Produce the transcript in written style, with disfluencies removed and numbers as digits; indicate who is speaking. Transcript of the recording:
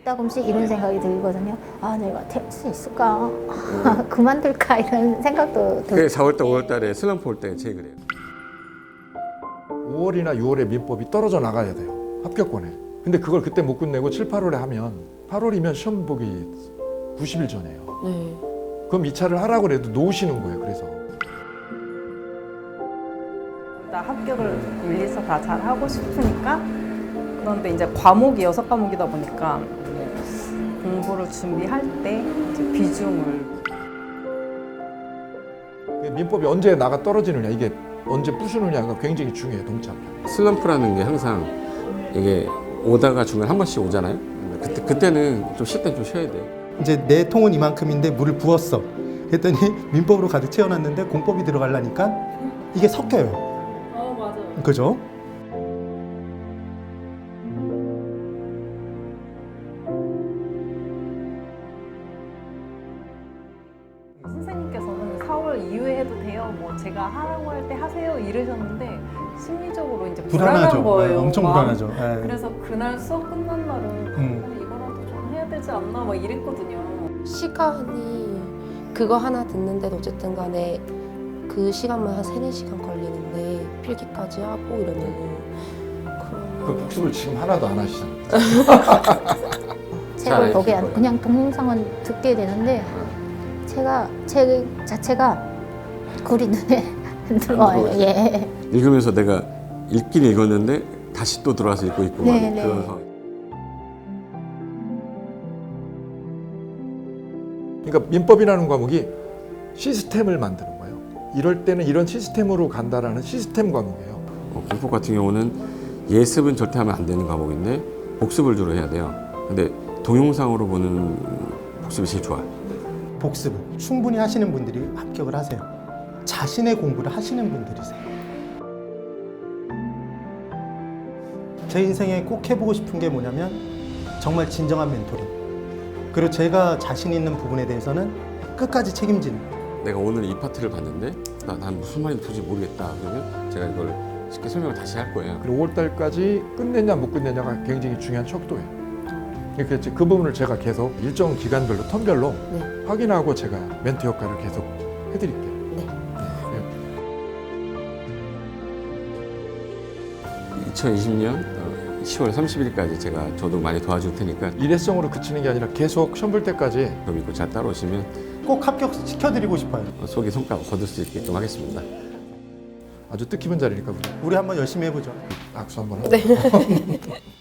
Speaker 1: 가끔씩 이런 생각이 들거든요. 아, 내가 될 수 있을까? 그만둘까? 이런 생각도
Speaker 2: 그게
Speaker 1: 들고.
Speaker 2: 4월달, 5월달에 슬럼프 올 때 제일 그래요.
Speaker 3: 5월이나 6월에 민법이 떨어져 나가야 돼요. 합격권에. 근데 그걸 그때 못 끝내고 7, 8월에 하면 8월이면 시험 보기 90일 전이에요.
Speaker 4: 네.
Speaker 3: 그럼 2차를 하라고 해도 놓으시는 거예요. 그래서.
Speaker 5: 나 합격을 물리서 다 잘 하고 싶으니까. 그런데 이제 과목이 6과목이다 보니까 공부를 준비할 때 이제 비중을.
Speaker 3: 민법이 언제 나가 떨어지느냐, 이게 언제 부수느냐가 굉장히 중요해요. 동참.
Speaker 2: 슬럼프라는 게 항상 이게 오다가 중간에 한 번씩 오잖아요. 그때는 좀 쉴 때 좀 쉬어야 돼요.
Speaker 6: 이제 내 통은 이만큼인데 물을 부었어. 그랬더니 민법으로 가득 채워놨는데 공법이 들어가려니까 이게 섞여요.
Speaker 5: 맞아요.
Speaker 6: 그죠?
Speaker 5: 선생님께서는 4월 이후에 해도 돼요. 뭐 제가 하라고 할 때 하세요 이러셨는데 심리적으로 이제
Speaker 6: 불안하죠.
Speaker 5: 불안한 거예요.
Speaker 6: 네, 엄청
Speaker 5: 막.
Speaker 6: 불안하죠. 네.
Speaker 5: 그래서 그날 수업 끝난 날은 이거라도 좀 해야 되지 않나 막 이랬거든요.
Speaker 4: 시간이 그거 하나 듣는데도 어쨌든 간에 그 시간만 한 3-4시간 걸리는데 필기까지 하고 이러면은
Speaker 3: 그 복습을 지금 하나도 안 하시잖아요.
Speaker 1: 책을 보게
Speaker 2: 잘
Speaker 1: 안,
Speaker 2: 알실
Speaker 1: 그냥 동영상은 듣게 되는데 책 자체가 글이 눈에 안 들어와요. 예.
Speaker 2: 읽으면서 내가 읽긴 읽었는데 다시 또 들어와서 읽고 있고
Speaker 1: 네,
Speaker 2: 막
Speaker 1: 네.
Speaker 2: 그런 상황.
Speaker 3: 그러니까 민법이라는 과목이 시스템을 만드는 거예요. 이럴 때는 이런 시스템으로 간다라는 시스템 과목이에요.
Speaker 2: 공법 같은 경우는 예습은 절대 하면 안 되는 과목인데 복습을 주로 해야 돼요. 근데 동영상으로 보는 복습이 제일 좋아요.
Speaker 6: 복습을 충분히 하시는 분들이 합격을 하세요. 자신의 공부를 하시는 분들이세요. 제 인생에 꼭 해보고 싶은 게 뭐냐면 정말 진정한 멘토링. 그리고 제가 자신 있는 부분에 대해서는 끝까지 책임지는.
Speaker 2: 내가 오늘 이 파트를 봤는데 난 무슨 말인지 도저히 모르겠다. 그러면 제가 이걸 쉽게 설명을 다시 할 거예요.
Speaker 3: 그리고 5월달까지 끝냈냐 못 끝냈냐가 굉장히 중요한 척도예요. 그러니까 이제 그 부분을 제가 계속 일정 기간별로 텀별로
Speaker 4: 네.
Speaker 3: 확인하고 제가 멘토 역할을 계속 해드릴게요.
Speaker 4: 네.
Speaker 2: 2020년 10월 30일까지 제가 저도 많이 도와줄 테니까
Speaker 3: 일회성으로 그치는 게 아니라 계속 시험 볼 때까지
Speaker 2: 저 믿고 잘 따라오시면
Speaker 6: 꼭 합격시켜드리고 싶어요.
Speaker 2: 속에 손가락 거둘 수 있게끔 하겠습니다.
Speaker 3: 아주 뜻깊은 자리니까 우리
Speaker 6: 우리 한번 열심히 해보죠.
Speaker 3: 악수 한번 하고.